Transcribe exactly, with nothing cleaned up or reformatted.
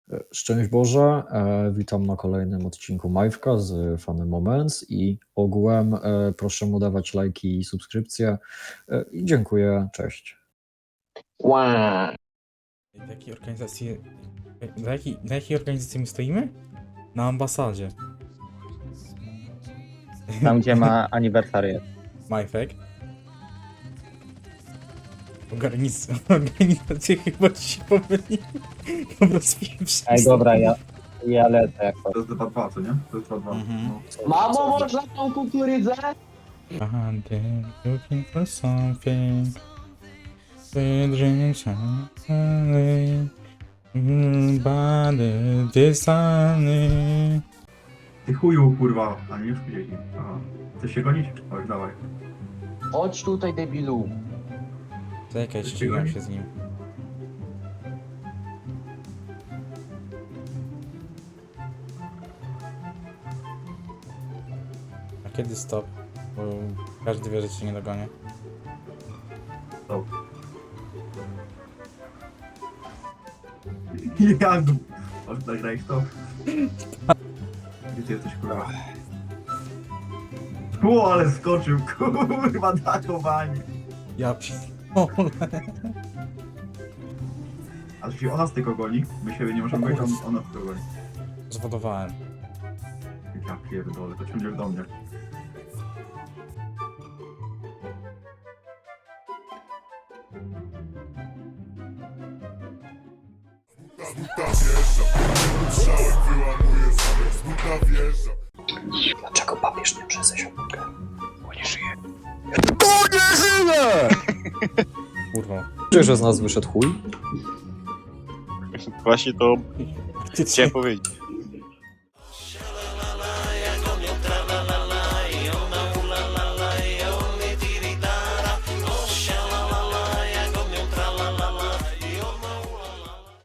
Szczęść Boże, e, witam na kolejnym odcinku Majwka z Funny Moments i ogółem e, proszę mu dawać lajki i subskrypcje e, i dziękuję, cześć. Wow. Do jakiej organizacji... Do jakiej, do jakiej organizacji my stoimy? Na ambasadzie. Tam gdzie ma aniversariat. Majfek. Organiz... Organizacje chyba ci się pomyliły. Po prostu Ej, dobra, ja, ja lecę jako. To jest dwa dwa, co nie? To jest dwa dwa. Mhm. No. Mamo, można tą kukurydzę? I'm looking for something. The dreams are body designy. Ty chuju, kurwa. A nie, już gdzieś. Aha. Chcesz się gonić? Oj, dawaj. Chodź tutaj, debilu. Czekaj, ścigam się z nim. A kiedy stop? Bo każdy wie, że cię nie dogonię. Stop. Jak? Masz nagrać to? Gdzie ty jesteś, kurwa? O, ale skoczył, kurwa, dakowanie. Ja pierdolę. A to się ona z tego goni? My siebie nie możemy gonić, on- ona z tego goni. Zwodowałem. Ja pierdolę, to ciągniesz do mnie. Dlaczego papież nie przyjdzie się mogę? Bo nie żyje. Kurwa. Czy że z nas wyszedł chuj? Właśnie to Ty chciałem powiedzieć.